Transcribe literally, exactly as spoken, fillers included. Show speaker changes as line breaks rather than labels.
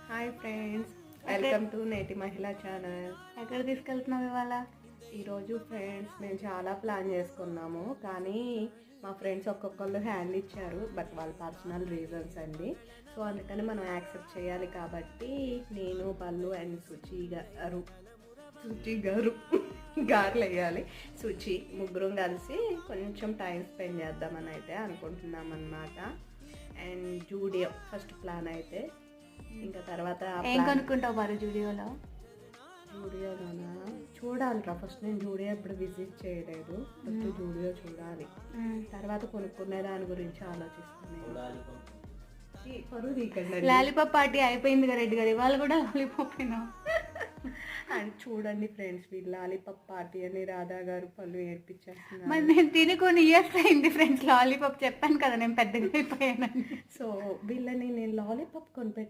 Hi friends, welcome to నేటి మహిళా channel.
ఎక్కడ తీసుకెళ్తున్నావు ఇవాళ?
ఈరోజు ఫ్రెండ్స్ మేము చాలా ప్లాన్ చేసుకున్నాము, కానీ మా ఫ్రెండ్స్ ఒక్కొక్కళ్ళు హ్యాండ్ ఇచ్చారు, బట్ వాళ్ళ పర్సనల్ రీజన్స్ అండి. సో అందుకని మనం యాక్సెప్ట్ చేయాలి. కాబట్టి నేను పల్లు అండ్ సుచి గారు సుచి గారు గారులు వేయాలి సుచి ముగ్గురం కలిసి కొంచెం టైం స్పెండ్ చేద్దామని అయితే అనుకుంటున్నాం అన్నమాట. అండ్ జూడియో ఫస్ట్ ప్లాన్ అయితే, ఇంకా తర్వాత
ఏం కొనుక్కుంటావు మరి జూడియోలో?
జూడియోలోనా చూడాలిరా. ఫస్ట్ నేను జూడియో ఎప్పుడు విజిట్ చేయలేదు, ఫస్ట్ జూడియో చూడాలి, తర్వాత కొనుక్కునే దాని గురించి ఆలోచిస్తున్నాను. పరువు తీకండి.
లాలీపాప్ పార్టీ అయిపోయింది కదా రెడ్డి గారు, ఇవాళ కూడా లాలీపాప్
అండ్ చూడండి ఫ్రెండ్స్, వీళ్ళు లాలీపాప్ పార్టీ అని రాధా గారు పళ్ళు ఏడ్పించేస్తున్నారు.
మరి నేను తిని కొన్ని ఇయర్స్ అయింది ఫ్రెండ్స్ లాలీపాప్, చెప్పాను కదా నేను పెద్దగా అయిపోయానని.
సో వీళ్ళని నేను లాలీపాప్ కొనిపెట్టి